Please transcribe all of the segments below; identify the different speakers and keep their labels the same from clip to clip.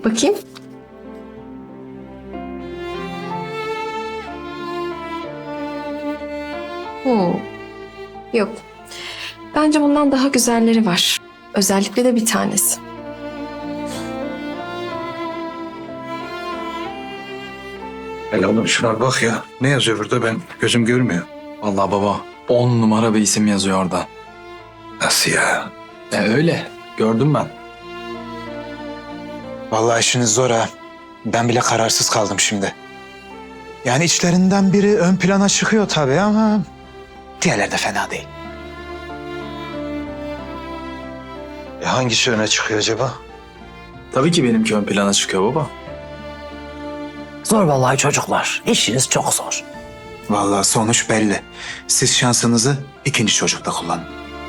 Speaker 1: Bakayım. Hmm. Yok. Bence bundan daha güzelleri var. Özellikle de bir tanesi.
Speaker 2: Hele oğlum şuna bak ya. Ne yazıyor burada, ben gözüm görmüyor.
Speaker 3: Vallahi baba 10 numara bir isim yazıyor orada.
Speaker 2: Nasıl ya?
Speaker 3: Öyle. Gördüm ben.
Speaker 4: Vallahi işiniz zor ha. Ben bile kararsız kaldım şimdi. Yani içlerinden biri ön plana çıkıyor tabii ama diğerleri de fena değil.
Speaker 2: Hangisi öne çıkıyor acaba?
Speaker 3: Tabii ki benimki ön plana çıkıyor baba.
Speaker 5: Zor vallahi çocuklar. İşiniz çok zor.
Speaker 4: Vallahi sonuç belli. Siz şansınızı ikinci çocukta kullanın.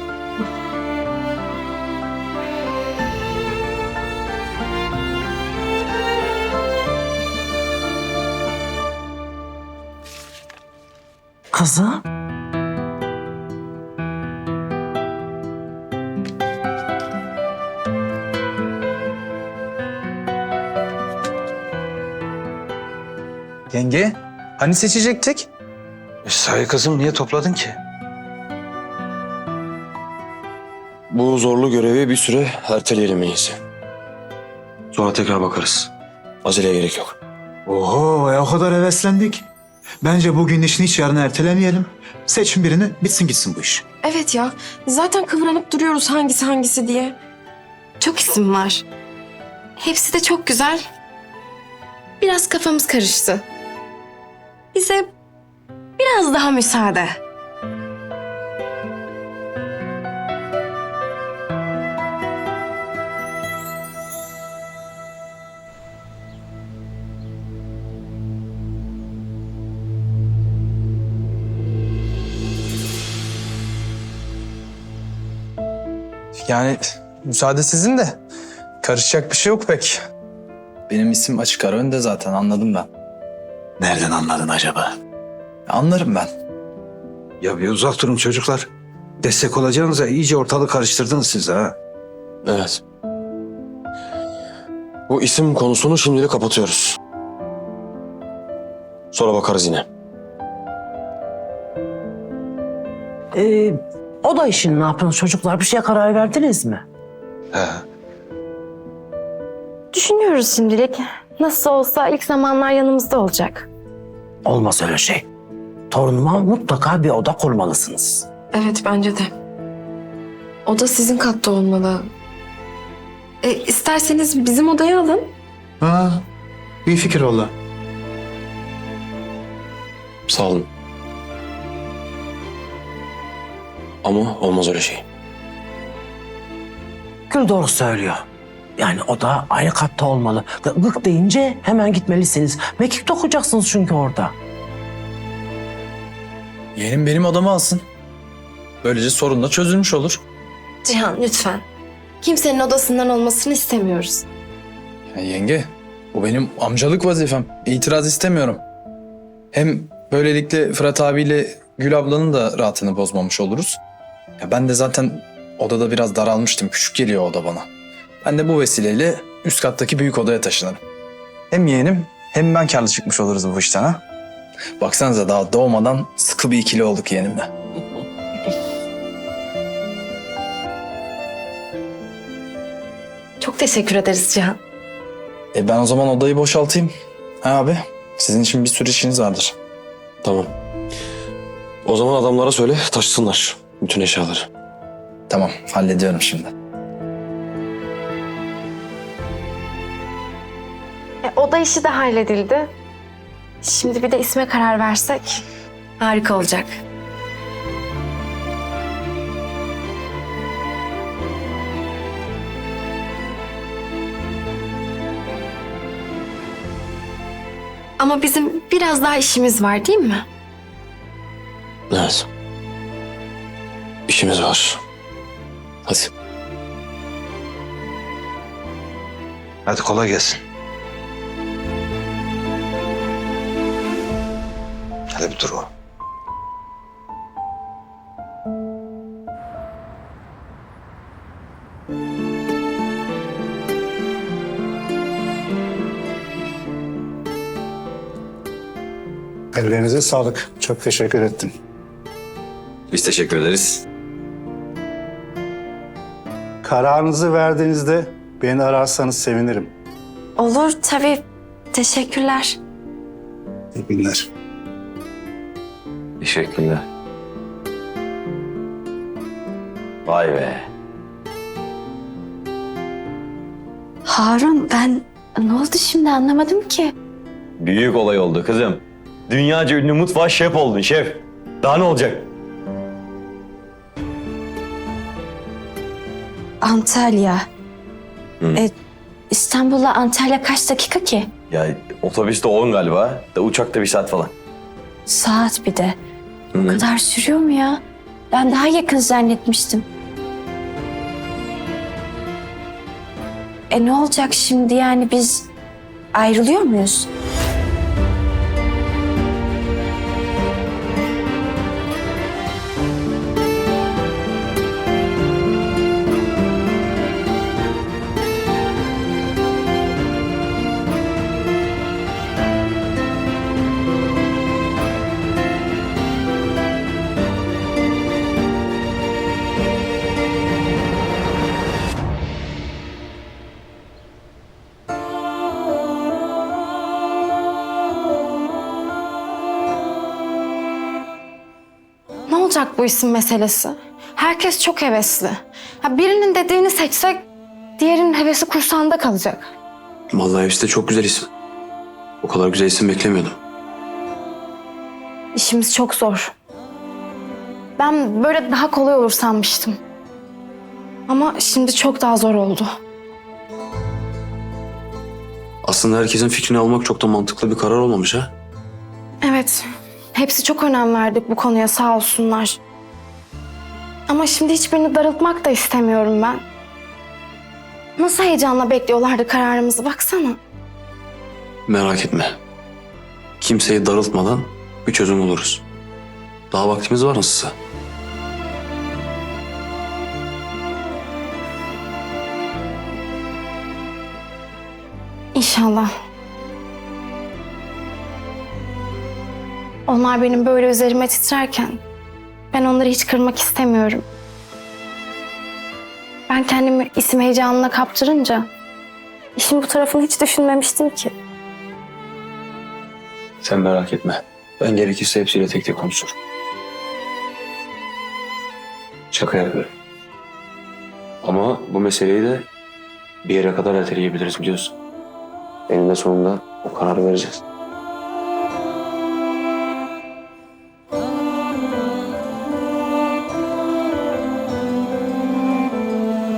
Speaker 5: Kızım.
Speaker 4: Yenge, hani seçecektik?
Speaker 2: Sahi kızım, niye topladın ki?
Speaker 6: Bu zorlu görevi bir süre erteleyelim en iyisi. Sonra tekrar bakarız. Aceleye gerek yok.
Speaker 4: Oho, o kadar heveslendik. Bence bugün işini hiç yarına ertelemeyelim. Seçin birini, bitsin gitsin bu iş.
Speaker 1: Evet ya. Zaten kıvranıp duruyoruz hangisi diye.
Speaker 7: Çok isim var. Hepsi de çok güzel. Biraz kafamız karıştı. Bize biraz daha müsaade.
Speaker 8: Yani müsaade sizin de. Karışacak bir şey yok pek.
Speaker 3: Benim isim açık ara önde zaten, anladım ben.
Speaker 4: Nereden anladın acaba?
Speaker 3: Anlarım ben.
Speaker 2: Ya bir uzak durun çocuklar. Destek olacağınıza iyice ortalığı karıştırdınız siz ha.
Speaker 6: Evet. Bu isim konusunu şimdilik kapatıyoruz. Sonra bakarız yine.
Speaker 5: O da işini ne yapıyorsunuz çocuklar? Bir şeye karar verdiniz mi?
Speaker 2: He.
Speaker 7: Düşünüyoruz şimdilik. Nasıl olsa ilk zamanlar yanımızda olacak.
Speaker 5: Olmaz öyle şey. Torunuma mutlaka bir oda kurmalısınız.
Speaker 1: Evet bence de. O da sizin katta olmalı. İsterseniz bizim odaya alın.
Speaker 4: Ha, iyi fikir oldu.
Speaker 6: Sağ olun. Ama olmaz öyle şey.
Speaker 5: Gül doğru söylüyor. Yani oda aynı katta olmalı. Gık deyince hemen gitmelisiniz. Mekik dokuyacaksınız çünkü orada.
Speaker 3: Yeğenim benim odamı alsın. Böylece sorun da çözülmüş olur.
Speaker 7: Cihan lütfen. Kimsenin odasından olmasını istemiyoruz.
Speaker 3: Ya yenge, bu benim amcalık vazifem. İtiraz istemiyorum. Hem böylelikle Fırat abiyle Gül ablanın da rahatını bozmamış oluruz. Ya ben de zaten odada biraz daralmıştım. Küçük geliyor oda bana. Ben de bu vesileyle üst kattaki büyük odaya taşınırım.
Speaker 8: Hem yeğenim hem ben karlı çıkmış oluruz bu işten ha.
Speaker 3: Baksanıza daha doğmadan sıkı bir ikili olduk yeğenimle.
Speaker 7: Çok teşekkür ederiz Cihan.
Speaker 3: Ben o zaman odayı boşaltayım. Ha abi, sizin için bir sürü işiniz vardır.
Speaker 6: Tamam. O zaman adamlara söyle taşısınlar bütün eşyaları.
Speaker 3: Tamam, hallediyorum şimdi.
Speaker 7: Oda işi de halledildi. Şimdi bir de isme karar versek harika olacak. Ama bizim biraz daha işimiz var değil mi?
Speaker 6: Evet. İşimiz var. Hadi.
Speaker 2: Hadi kolay gelsin. Hadi bir dur o.
Speaker 9: Ellerinize sağlık. Çok teşekkür ettim.
Speaker 6: Biz teşekkür ederiz.
Speaker 9: Kararınızı verdiğinizde beni ararsanız sevinirim.
Speaker 1: Olur tabii. Teşekkürler.
Speaker 9: İyi günler.
Speaker 6: Teşekkürler. Vay be.
Speaker 7: Harun ne oldu şimdi anlamadım ki.
Speaker 6: Büyük olay oldu kızım. Dünyaca ünlü mutfağa şef oldun şef. Daha ne olacak?
Speaker 1: Antalya.
Speaker 6: Hı.
Speaker 1: İstanbul'la Antalya kaç dakika ki?
Speaker 6: Ya otobüste 10 galiba. Da uçakta 1 saat falan.
Speaker 1: Saat bir de.
Speaker 6: Hı.
Speaker 1: O kadar sürüyor mu ya? Ben daha yakın zannetmiştim. Ne olacak şimdi yani biz ayrılıyor muyuz?
Speaker 7: Ne olacak bu isim meselesi? Herkes çok hevesli. Birinin dediğini seçsek diğerinin hevesi kursağında kalacak.
Speaker 6: Vallahi hepsi de çok güzel isim. O kadar güzel isim beklemiyordum.
Speaker 7: İşimiz çok zor. Ben böyle daha kolay olur sanmıştım. Ama şimdi çok daha zor oldu.
Speaker 6: Aslında herkesin fikrini almak çok da mantıklı bir karar olmamış ha.
Speaker 7: Evet, hepsi çok önem verdik bu konuya sağ olsunlar. Ama şimdi hiçbirini darıltmak da istemiyorum ben. Nasıl heyecanla bekliyorlardı kararımızı baksana.
Speaker 6: Merak etme. Kimseyi darıltmadan bir çözüm buluruz. Daha vaktimiz var nasılsa.
Speaker 7: İnşallah. Onlar benim böyle üzerime titrerken ben onları hiç kırmak istemiyorum. Ben kendimi isim heyecanına kaptırınca işin bu tarafını hiç düşünmemiştim ki.
Speaker 6: Sen merak etme. Ben gerekirse hepsiyle tek tek konuşurum. Şaka yapıyorum. Ama bu meseleyi de bir yere kadar erteleyebiliriz biliyorsun. Eninde sonunda o kararı vereceğiz.